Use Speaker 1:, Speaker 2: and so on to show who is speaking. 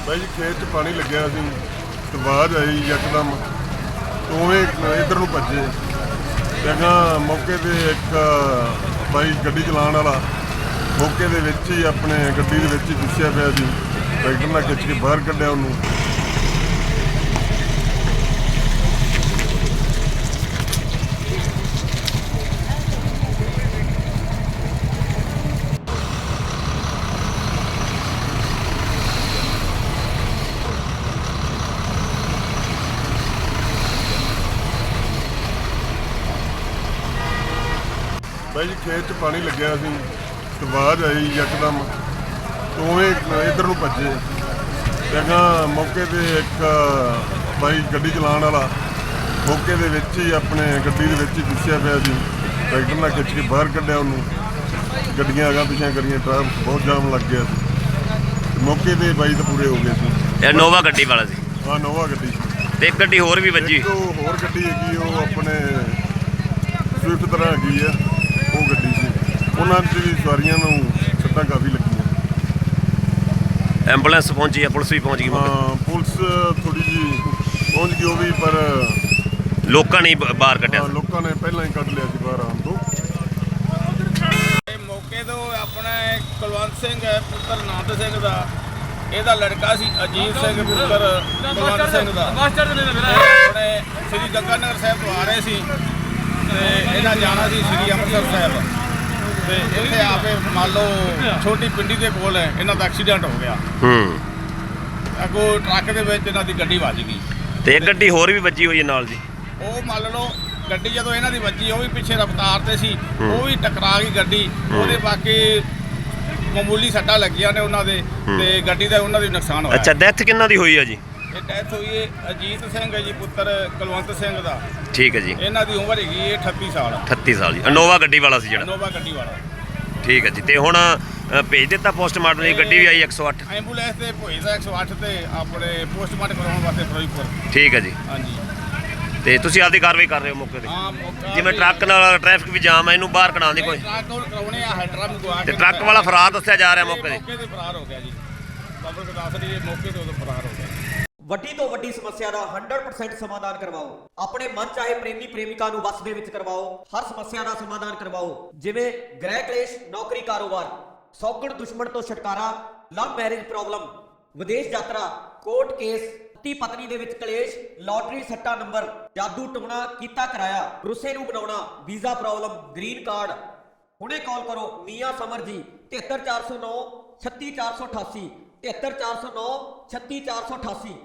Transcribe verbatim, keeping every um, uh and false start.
Speaker 1: ਬਾਈ ਜੀ ਖੇਤ 'ਚ ਪਾਣੀ ਲੱਗਿਆ ਸੀ ਤੇ ਆਵਾਜ਼ ਆਈ ਯਕਦਮ ਉਵੇਂ ਇੱਧਰ ਨੂੰ ਭੱਜੇ ਜਗ੍ਹਾ ਮੌਕੇ ਤੇ ਇੱਕ ਬਾਈ ਗੱਡੀ ਚਲਾਉਣ ਵਾਲਾ ਮੌਕੇ ਦੇ ਵਿੱਚ ਹੀ ਆਪਣੇ ਗੱਡੀ ਦੇ ਵਿੱਚ ਹੀ ਦੁੱਸਿਆ ਪਿਆ ਸੀ। ਟਰੈਕਟਰ ਨਾਲ ਖਿੱਚ ਕੇ ਬਾਹਰ ਕੱਢਿਆ ਉਹਨੂੰ। ਬਾਈ ਜੀ ਖੇਤ 'ਚ ਪਾਣੀ ਲੱਗਿਆ ਸੀ ਤੇ ਆਵਾਜ਼ ਆਈ ਯਕਦਮ ਉਵੇਂ ਇੱਧਰ ਨੂੰ ਭੱਜੇ ਜਗ੍ਹਾ ਮੌਕੇ ਤੇ ਇੱਕ ਬਾਈ ਗੱਡੀ ਚਲਾਉਣ ਵਾਲਾ ਮੌਕੇ ਦੇ ਵਿੱਚ ਹੀ ਆਪਣੇ ਗੱਡੀ ਦੇ ਵਿੱਚ ਹੀ ਦੁੱਸਿਆ ਪਿਆ ਸੀ। ਟਰੈਕਟਰ ਨਾਲ ਖਿੱਚ ਕੇ ਬਾਹਰ ਕੱਢਿਆ ਉਹਨੂੰ। ਗੱਡੀਆਂ ਅਗਾਂ ਪਿਛਾਂ ਕਰੀਆਂ, ਟ੍ਰੈਫਿਕ ਬਹੁਤ ਜਾਮ ਲੱਗ ਗਿਆ ਸੀ। ਮੌਕੇ ਤੇ ਬਾਈ ਤਾਂ ਪੂਰੇ ਹੋ ਗਏ ਸੀ।
Speaker 2: ਇਹ ਨੋਵਾ ਗੱਡੀ ਵਾਲਾ ਸੀ।
Speaker 1: ਹਾਂ ਨੋਵਾ ਗੱਡੀ
Speaker 2: ਤੇ ਇੱਕ ਗੱਡੀ ਹੋਰ ਵੀ ਵੱਜੀ।
Speaker 1: ਇੱਕ ਹੋਰ ਗੱਡੀ ਹੈਗੀ ਉਹ ਆਪਣੇ ਸਵਿਫਟ ਤਰ੍ਹਾਂ ਹੈਗੀ ਆ ਉਹ ਗੱਡੀ ਸੀ। ਉਹਨਾਂ 'ਚ ਵੀ ਸਵਾਰੀਆਂ ਨੂੰ ਸੱਟਾਂ ਕਾਫੀ ਲੱਗੀਆਂ।
Speaker 2: ਐਂਬੂਲੈਂਸ ਪਹੁੰਚੀ ਆ, ਪੁਲਿਸ ਵੀ ਪਹੁੰਚ ਗਈ।
Speaker 1: ਹਾਂ ਪੁਲਿਸ ਥੋੜੀ ਜਿਹੀ ਪਹੁੰਚ ਗਈ ਉਹ ਵੀ, ਪਰ
Speaker 2: ਲੋਕਾਂ ਨੇ ਬਾਹਰ ਕੱਢਿਆ।
Speaker 1: ਲੋਕਾਂ ਨੇ ਪਹਿਲਾਂ ਹੀ ਕੱਢ ਲਿਆ ਸੀ ਬਾਹਰ ਆਉਣ ਤੋਂ।
Speaker 3: ਮੌਕੇ ਤੋਂ ਆਪਣਾ ਕੁਲਵੰਤ ਸਿੰਘ ਹੈ ਪੁੱਤਰ ਨਾਨਕ ਸਿੰਘ ਦਾ, ਇਹਦਾ ਲੜਕਾ ਸੀ ਅਜੀਤ ਸਿੰਘ ਪੁੱਤਰ ਕੁਲਵੰਤ ਸਿੰਘ ਦਾ। ਆਪਣੇ ਸ੍ਰੀ ਗੰਗਾਨਗਰ ਸਾਹਿਬ ਤੋਂ ਆ ਰਹੇ ਸੀ ਤੇ ਇਹਨਾਂ ਜਾਣਾ ਸੀ ਸ੍ਰੀ ਅੰਮ੍ਰਿਤਸਰ ਸਾਹਿਬ ਤੇ ਇੱਥੇ ਆਪੇ ਮੰਨ ਲਓ ਛੋਟੀ ਪਿੰਡੀ ਦੇ ਕੋਲ ਇਹਨਾਂ ਦਾ ਐਕਸੀਡੈਂਟ ਹੋ ਗਿਆ।
Speaker 2: ਹੂੰ
Speaker 3: ਅੱਗੋਂ ਟਰੱਕ ਦੇ ਵਿੱਚ ਇਹਨਾਂ ਦੀ ਗੱਡੀ ਵੱਜ ਗਈ
Speaker 2: ਤੇ ਇੱਕ ਗੱਡੀ ਹੋਰ ਵੀ ਵੱਜੀ ਹੋਈ ਹੈ ਨਾਲ ਜੀ।
Speaker 3: ਉਹ ਮੰਨ ਲਓ ਗੱਡੀ ਜਦੋਂ ਇਹਨਾਂ ਦੀ ਵੱਜੀ ਉਹ ਵੀ ਪਿੱਛੇ ਰਫ਼ਤਾਰ ਤੇ ਸੀ, ਉਹ ਵੀ ਟਕਰਾ ਗਈ ਗੱਡੀ। ਉਹਦੇ ਬਾਕੀ ਮਾਮੂਲੀ ਸੱਟਾਂ ਲੱਗੀਆਂ ਨੇ ਉਹਨਾਂ ਦੇ ਤੇ ਗੱਡੀ ਦਾ ਉਹਨਾਂ ਦੀ ਨੁਕਸਾਨ ਹੋਇਆ।
Speaker 2: ਅੱਛਾ ਡੈਥ ਕਿੰਨਾ ਦੀ ਹੋਈ ਹੈ ਜੀ?
Speaker 3: ਇਹ ਡੈਥ ਹੋਈ ਹੈ ਅਜੀਤ ਸਿੰਘ ਹੈ ਜੀ ਪੁੱਤਰ ਕੁਲਵੰਤ ਸਿੰਘ ਦਾ।
Speaker 2: ਠੀਕ ਹੈ ਜੀ।
Speaker 3: ਇਹਨਾਂ ਦੀ ਉਮਰ ਹੈਗੀ ਹੈ ਅਠੱਤੀ ਸਾਲ।
Speaker 2: ਅਠੱਤੀ ਸਾਲ ਜੀ। ਇਨੋਵਾ ਗੱਡੀ ਵਾਲਾ ਸੀ ਜਿਹੜਾ।
Speaker 3: ਇਨੋਵਾ ਗੱਡੀ ਵਾਲਾ।
Speaker 2: ਠੀਕ ਹੈ ਜੀ। ਤੇ ਹੁਣ ਅ, ਭੇਜ ਦਿੱਤਾ ਪੋਸਟਮਾਰਟਮ ਦੀ ਗੱਡੀ ਵੀ ਆਈ ਇੱਕ ਸੌ ਅੱਠ।
Speaker 3: ਐਂਬੂਲੈਂਸ ਤੇ ਭੋਇਦਾ ਇੱਕ ਸੌ ਅੱਠ ਤੇ ਆਪਣੇ ਪੋਸਟਮਾਰਟਮ ਕਰਾਉਣ ਵਾਸਤੇ ਫਿਰੋਜ਼ਪੁਰ।
Speaker 2: ਠੀਕ ਹੈ ਜੀ।
Speaker 3: ਹਾਂਜੀ
Speaker 2: ਤੇ ਤੁਸੀਂ ਆਪਦੀ ਕਾਰਵਾਈ ਕਰ ਰਹੇ ਹੋ ਮੌਕੇ ਤੇ?
Speaker 3: ਹਾਂ ਮੌਕਾ
Speaker 2: ਜਿਵੇਂ ਟਰੱਕ ਨਾਲ ਟ੍ਰੈਫਿਕ ਵੀ ਜਾਮ ਹੈ, ਇਹਨੂੰ ਬਾਹਰ ਕਢਾਉਣ ਦੀ ਕੋਈ
Speaker 3: ਟਰੱਕ ਉਹ ਕਰਾਉਣੇ ਆ ਹੈਡਰਾਂ ਨੂੰ ਗਵਾ
Speaker 2: ਤੇ
Speaker 3: ਕੇ
Speaker 2: ਟਰੱਕ ਵਾਲਾ ਫਰਾਰ ਦੱਸਿਆ ਜਾ ਰਿਹਾ ਮੌਕੇ ਤੇ।
Speaker 3: ਮੌਕੇ ਤੇ ਫਰਾਰ ਹੋ ਗਿਆ ਜੀ। ਪਬਲਿਕ ਦੱਸ ਰਹੀ ਹੈ ਮੌਕੇ ਤੇ ਉਦੋਂ ਫਰਾਰ ਹੋ ਗਿਆ।
Speaker 4: ਵੱਡੀ ਤੋਂ ਵੱਡੀ ਸਮੱਸਿਆ ਦਾ ਸੌ ਪਰਸੈਂਟ ਸਮਾਧਾਨ ਕਰਵਾਓ। ਆਪਣੇ ਮਨ ਚਾਹੇ ਪ੍ਰੇਮੀ ਪ੍ਰੇਮਿਕਾ ਨੂੰ ਵਸ ਦੇ ਵਿੱਚ ਕਰਵਾਓ। ਹਰ ਸਮੱਸਿਆ ਦਾ ਸਮਾਧਾਨ ਕਰਵਾਓ, ਜਿਵੇਂ ਗ੍ਰਹਿ ਕਲੇਸ਼, ਨੌਕਰੀ, ਕਾਰੋਬਾਰ, ਸੌਗਣ ਦੁਸ਼ਮਣ ਤੋਂ ਛੁਟਕਾਰਾ, ਲਵ ਮੈਰਿਜ ਪ੍ਰੋਬਲਮ, ਵਿਦੇਸ਼ ਯਾਤਰਾ, ਕੋਰਟ ਕੇਸ, ਪਤੀ ਪਤਨੀ ਦੇ ਵਿੱਚ ਕਲੇਸ਼, ਲਾਟਰੀ ਸੱਟਾ ਨੰਬਰ, ਜਾਦੂ ਟੋਣਾ ਕੀਤਾ ਕਰਾਇਆ, ਰੁੱਸੇ ਨੂੰ ਬਣਾਉਣਾ, ਵੀਜ਼ਾ ਪ੍ਰੋਬਲਮ, ਗ੍ਰੀਨ ਕਾਰਡ। ਹੁਣੇ ਕਾਲ ਕਰੋ ਮੀਆਂ ਸਮਰ ਜੀ ਤਿਹੱਤਰ ਚਾਰ ਸੌ ਨੌ ਛੱਤੀ ਚਾਰ ਸੌ ਅਠਾਸੀ ਤਿਹੱਤਰ ਚਾਰ ਸੌ ਨੌ ਛੱਤੀ ਚਾਰ ਸੌ ਅਠਾਸੀ।